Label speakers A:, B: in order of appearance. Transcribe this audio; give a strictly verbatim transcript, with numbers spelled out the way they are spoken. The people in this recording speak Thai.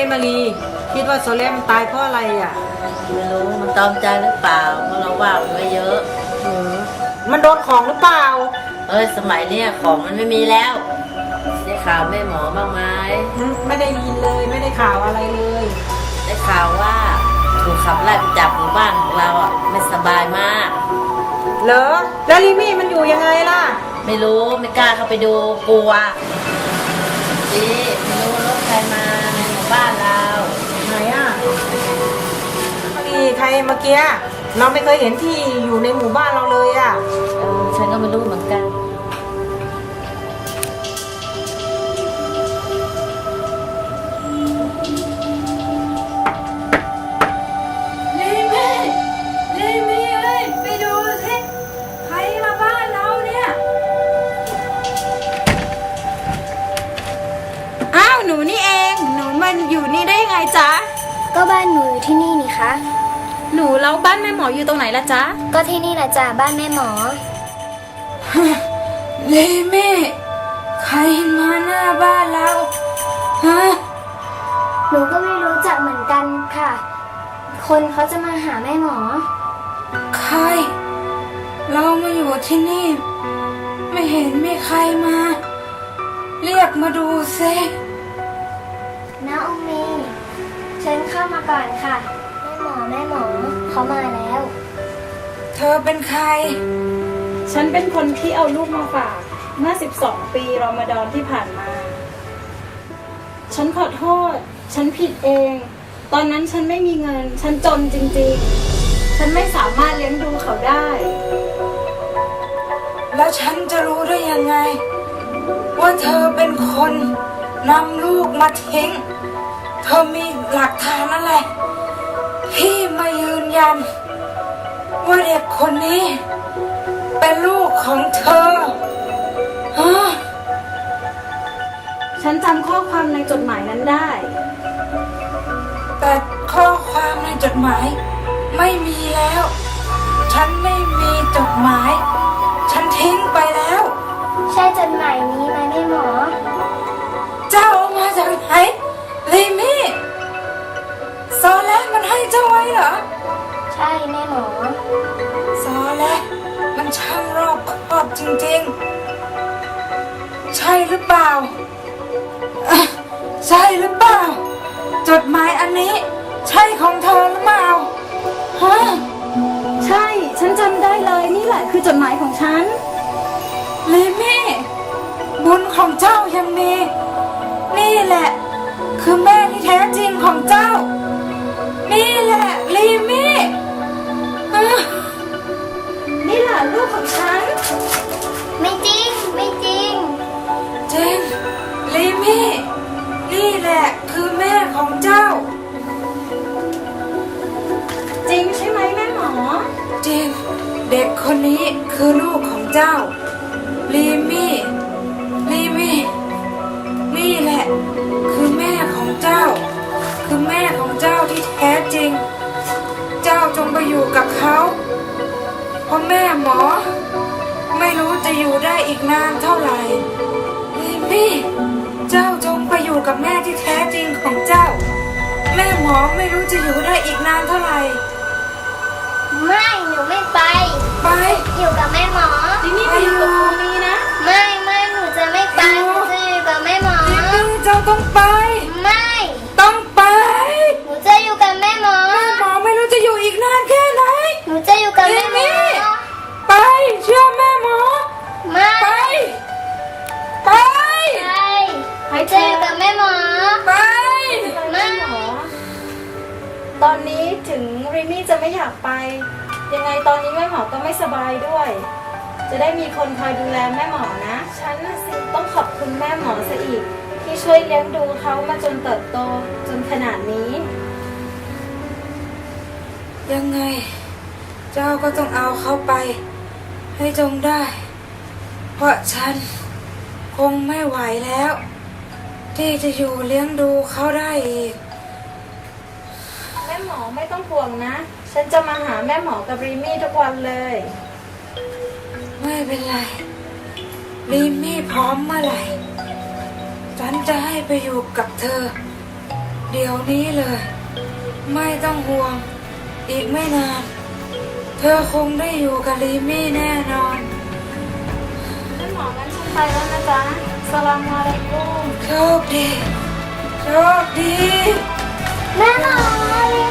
A: มารีคิดว่าโซเล่มตายเพราะอะไรอ่ะ
B: ไม่รู้มันตอมใจหรือเปล่าเพราะเราว่ามันไว้เยอะ
A: เออมันโดนของหรือเปล่า
B: เอ้ยสมัยเนี้ยของมันไม่มีแล้วได้ข่าวแม่หมอบ้างไหม
A: ไม่ได้ยินเลยไม่ได้ข่าวอะไรเลย
B: ได้ข่าวว่าถูกขับไล่ไปจากหมู่บ้านของเราอ่ะไม่สบายมาก
A: เหรอแล้วลิมี่มันอยู่ยังไงล่ะ
B: ไม่รู้ไม่กล้าเข้าไปดูกลัวดีไม่รู้รถใครมาในหมู่บ้านเรา
A: ไหนอ่ะนี่ใครเมื่อกี้เราไม่เคยเห็นที่อยู่ในหมู่บ้านเราเลยอ่ะ
B: เออฉันก็ไม่รู้เหมือนกัน
C: หนูนี่เองหนูมันอยู่นี่ได้ยังไงจ๊ะ
D: ก็บ้านหนูอยู่ที่นี่นี่คะ
C: หนูแล้วบ้านแม่หมออยู่ตรงไหนล่ะจ๊ะ
D: ก็ที่นี่แหละจ้ะบ้านแม่หมอ
C: เลเม่ใครมาหน้าบ้านเราฮะ
D: หนูก็ไม่รู้จักเหมือนกันค่ะคนเขาจะมาหาแม่หมอ
C: ใครเรามาอยู่ที่นี่ไม่เห็นมีใครมาเรียกมาดูซิ
D: น้าองมีเชิญเข้ามาก่อนค่ะแม่หมอแม่หมอเขามาแล้ว
C: เธอเป็นใคร
E: ฉันเป็นคนที่เอาลูกมาฝากเมื่อสิบสองปีรอมฎอนที่ผ่านมาฉันขอโทษฉันผิดเองตอนนั้นฉันไม่มีเงินฉันจนจริงๆฉันไม่สามารถเลี้ยงดูเขาได้
C: แล้วฉันจะรู้ได้ยังไงว่าเธอเป็นคนนำลูกมาทิ้งเธอมีหลักฐานอะไรที่มายืนยันว่าเด็กคนนี้เป็นลูกของเธอฮะ
E: ฉันจำข้อความในจดหมายนั้นได้
C: แต่ข้อความในจดหมายไม่มีแล้วฉันไม่มีจดหมายฉันทิ้งไปแล้ว
D: ใช่จดหมายนี้ไหมแม่หมอ
C: เจ้าเอามาจากไหนลิมี่ซอแลมันให้เจ้าไว้เหรอ
D: ใช่แม่หมอ
C: ซอแลมันช่างรอบคอบจริงๆใช่หรือเปล่าใช่หรือเปล่าจดหมายอันนี้ใช่ของเธอหรือเปล่า
E: ฮะใช่ฉันจำได้เลยนี่แหละคือจดหมายของฉัน
C: ลิมี่บุญของเจ้ายังมีนี่แหละคือแม่ที่แท้จริงของเจ้านี่แหละลิมี่
E: นี่แหละลูกของฉัน
D: ไม่จริงไม่จริง
C: จริงลิมี่นี่แหละคือแม่ของเจ้า
E: จริงใช่ไหมแม่หมอ
C: จริงเด็กคนนี้คือลูกของเจ้าลิมี่ลิมี่นี่แหละคือแม่ของเจ้าคือแม่ของเจ้าที่แท้จริงเจ้าจงไปอยู่กับเขาเพราะแม่หมอไม่รู้จะอยู่ได้อีกนานเท่าไหร่ลิมี่เจ้าจงไปอยู่กับแม่ที่แท้จริงของเจ้าแม่หมอไม่รู้จะอยู่ได้อีกนานเท่าไหร่
D: ไม่หนูไม่ไป
C: ไป
D: อยู่กับแม่หมอ
E: ที่นี่ไปอยู่กับครูมีนะ
D: ไม่ไม่หนูจะไม่ไปหนูจะอยู่กับแม่หมอ
C: ลิมี่เจ้าต้องไป
D: ไม่
C: ต้องไป
D: หนูจะอยู่กับแม่หมอ
C: แม่หมอไม่รู้จะอยู่อีกนานแค่ไหน
D: หนูจะอยู่กับแม่หมอ
C: ไปเชื่อแม่หมอ
D: ไม่
C: ไปไป
D: ไปจะอยู่กับแม่หมอ
C: ไป
D: ไม่
E: ตอนนี้ถึงริมี่จะไม่อยากไปยังไงตอนนี้แม่หมอก็ไม่สบายด้วยจะได้มีคนคอยดูแลแม่หมอนะฉันน่ะสิต้องขอบคุณแม่หมอซะอีกที่ช่วยเลี้ยงดูเขามาจนเติบโตจนขนาดนี้
C: ยังไงเจ้าก็ต้องเอาเขาไปให้จงได้เพราะฉันคงไม่ไหวแล้วที่จะอยู่เลี้ยงดูเขาได้อีก
E: แม่หมอไม่ต้องห่วงนะฉันจะมาหาแม่หมอกับริมี่ทุกวันเลย
C: ไม่เป็นไรริมี่พร้อมเมื่อไหร่ฉันจะให้ไปอยู่กับเธอเดี๋ยวนี้เลย ไม่ต้องห่วง อีกไม่นาน เธอคงได้อยู่กับลีมี่แน่นอน
E: แม่หมองั้นฉันไปแล้วนะจ๊ะสลามอะลัยกุม
C: โชคดี โชคดี
D: แม่หมอลี